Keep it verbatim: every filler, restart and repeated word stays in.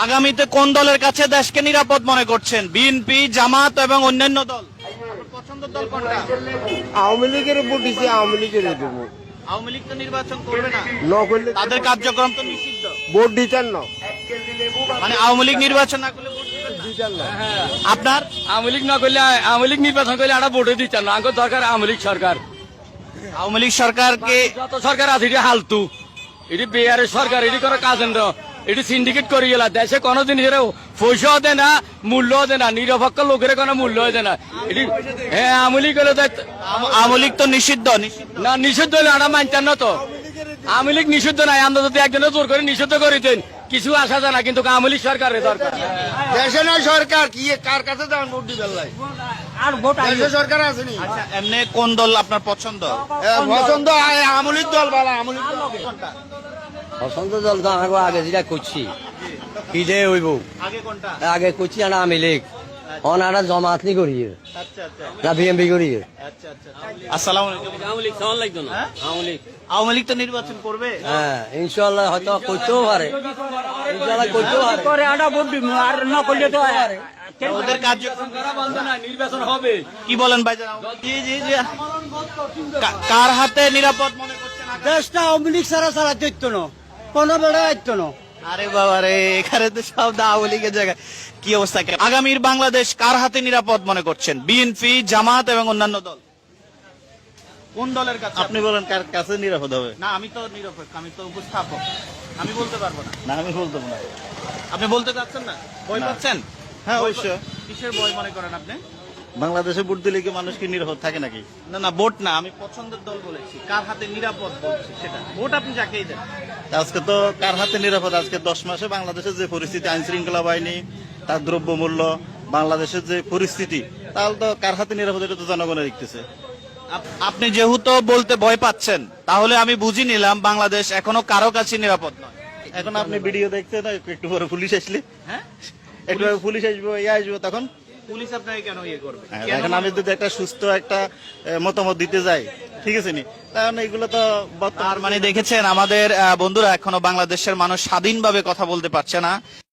আগামীতে কোন দলের কাছে দেশকে নিরাপদ মনে করছেন? বিএনপি, জামাত এবং অন্যান্য দল? আপনার পছন্দের দল কোনটা? আওয়ামী লীগের উপর দিচ্ছে, আওয়ামী লীগের দেবো। আওয়ামী লীগ তো নির্বাচন করবে না, ন করলে তাদের কার্যক্রম তো নিষিদ্ধ। ভোট দিতেন না, মানে আওয়ামী লীগ নির্বাচন না করলে ভোট দিবেন না? দিতেন না। আপনার আওয়ামী লীগ না করলে আওয়ামী লীগ নির্বাচন করলে আমরা ভোটে দিচ্ছেন না। আঙ্গুর দরকার আওয়ামী লীগ সরকার। আওয়ামী লীগ সরকারকে যত সরকার আছে এটি হালতু, এটি বেয়ারের সরকার, এটি কোনো কাজ না, এটি সিন্ডিকেট করে গেল। দেশে কোনো জিনিসের পয়সাও দেয় না, মূল্যও দেয় না, নিরপেক্ষ লোকের কোনো মূল্য দেয় না। এটি হ্যাঁ আওয়ামী লীগ হলে দায়িত্ব- আওয়ামী লীগ তো নিষিদ্ধ নিষিদ্ধ না নিষিদ্ধ হলে আমরা মানতেন না তো। আওয়ামী লীগ নিষিদ্ধ নাই, আমরা যদি একজনের জোর করে নিষিদ্ধ করিতেন কিছু আসা যায় না, কিন্তু আওয়ামী লীগ সরকারের দরকার। দেশে নয় সরকার, কি কার কাছে যান ভোট দিবেন লাই? আর ভোট দেশে সরকার আসেনি। আচ্ছা, এমনি কোন দল আপনার পছন্দ? পছন্দ আওয়ামী লীগ দল ভালো, আওয়ামী লীগ দল। পছন্দ দল তো আমাকে আগে যেটা করছি কি যে হইব আগে কোনটা? আগে করছি না আমি লীগ অনারা জমাত নি করি আচ্ছা আচ্ছা না বিএমপি করি। আচ্ছা আচ্ছা আসসালামু আলাইকুম। আওয়ামী লীগ সমান লাগতো না। হ্যাঁ? আওয়ামী লীগ আওয়ামী লীগ তো নির্বাচন করবে। হ্যাঁ ইনশাল্লাহ হয়তো করতেও পারে, ইনশাল্লাহ করতেও পারে। করে আমরা ভোট দিব আর না করলে তো ওদের কার্যক্রম বন্ধ না, নির্বাচন হবে। কি বলেন ভাইজান? জি জি জি কা- কার হাতে নিরাপদ মনে করছেন আগামী? দেশটা আওয়ামী লীগ সারা সারা দিত না, কোনো বেড়া দিত না। আরে বাবা রে, এখানে তো সব আওয়ামী লীগের জায়গায়। কি অবস্থা? আগামীর বাংলাদেশ কার হাতে নিরাপদ মনে করছেন? বিএনপি, জামাত এবং অন্যান্য দল? কোন দলের কাছে? আপনি বলেন কার কাছে নিরাপদ হবে? না, আমি তো নিরপেক্ষ, আমি তো উপস্থাপক, আমি বলতে পারবো না। না আমি বলতে না। আপনি বলতে চাচ্ছেন না? ভয় না। পাচ্ছেন? হ্যাঁ অবশ্যই। কিসের ভয় মনে করেন আপনি? বাংলাদেশে ভোট দিলে কি মানুষ কি নিরাপদ থাকে নাকি? না না, ভোট না, আমি পছন্দের দল বলেছি। কার হাতে নিরাপদ বলছি সেটা। ভোট আপনি যাকেই দেন। আজকে তো কার হাতে নিরাপদ? আজকে দশ মাসে বাংলাদেশের যে পরিস্থিতি, আইন শৃঙ্খলা বাহিনী, তার দ্রব্যমূল্য, বাংলাদেশের যে পরিস্থিতি, তাহলে তো কার হাতে নিরাপদ এটা তো জনগণের দেখতেছে। আপ- আপনি যেহেতু বলতে ভয় পাচ্ছেন, তাহলে আমি বুঝি নিলাম বাংলাদেশ এখনো কারো কাছে নিরাপদ নয়। এখন আপনি ভিডিও দেখতে না, একটু পরে পুলিশ আসলে, হ্যাঁ, একটু পরে পুলিশ আসবে, ইয়ে আসবে, তখন পুলিশ আপনাকে কেন ইয়ে করবে? হ্যাঁ, কেন এখন আমি মনে- যদি একটা সুস্থ একটা এ, মতামত দিতে যাই, ঠিক আছে নি, তাহলে এগুলো তো বর্তমান তার মানে দেখেছেন আমাদের আহ, বন্ধুরা এখনো বাংলাদেশের মানুষ স্বাধীনভাবে কথা বলতে পারছে না।